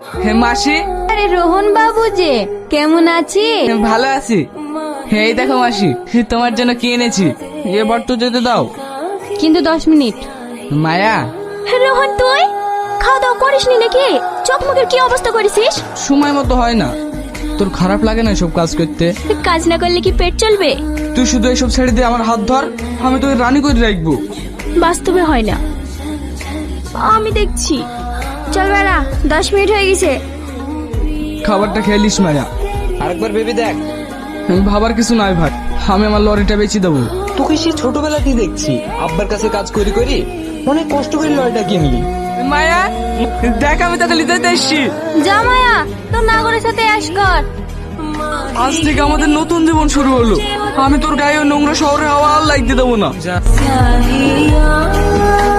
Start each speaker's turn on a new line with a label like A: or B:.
A: হে মাসি,
B: আরে রোহন বাবু যে, কেমন আছি?
A: ভালো আছি। এই দেখো মাসি, তোমার জন্য কি এনেছি, এবার তো যেতে দাও।
B: কিন্তু 10 মিনিট।
A: মায়া,
B: রোহন তুই খাওয়া দাওয়া করিসনি নাকি? চোখ মুখের কি অবস্থা করেছিস?
A: সময় মতো হয় না। তোর খারাপ লাগে না সব কাজ করতে?
B: কাজ না করলে কি পেট চলবে?
A: তুই শুধু এসব ছেড়ে দিয়ে আমার হাত ধর, আমি তোকে রানী করে রাখবো।
B: বাস্তবে হয় না, আমি দেখছি। চল বেড়া, 10 মিনিট হয়ে গেছে।
A: খাবারটা খেলিস মায়া।
C: আরেকবার ভেবে দেখ।
A: ভাবার কিছু নাই ভাই, আমি আমার লরিটা বেচে দেবো।
C: তোকে সে ছোটবেলাতেই দেখছি আব্বার কাছে কাজ করি করি অনেক কষ্ট করে লয়টা কিনলি।
A: মায়া দেখ, আমি তোকে লিতে এসছি।
B: যা মায়া, তোর নাগরের সাথে অ্যাশ কর।
A: আজ থেকে আমাদের নতুন জীবন শুরু হলো। আমি তোর গায়ে ওই নোংরা শহরে হাওয়া আর লাগতে দেবো না।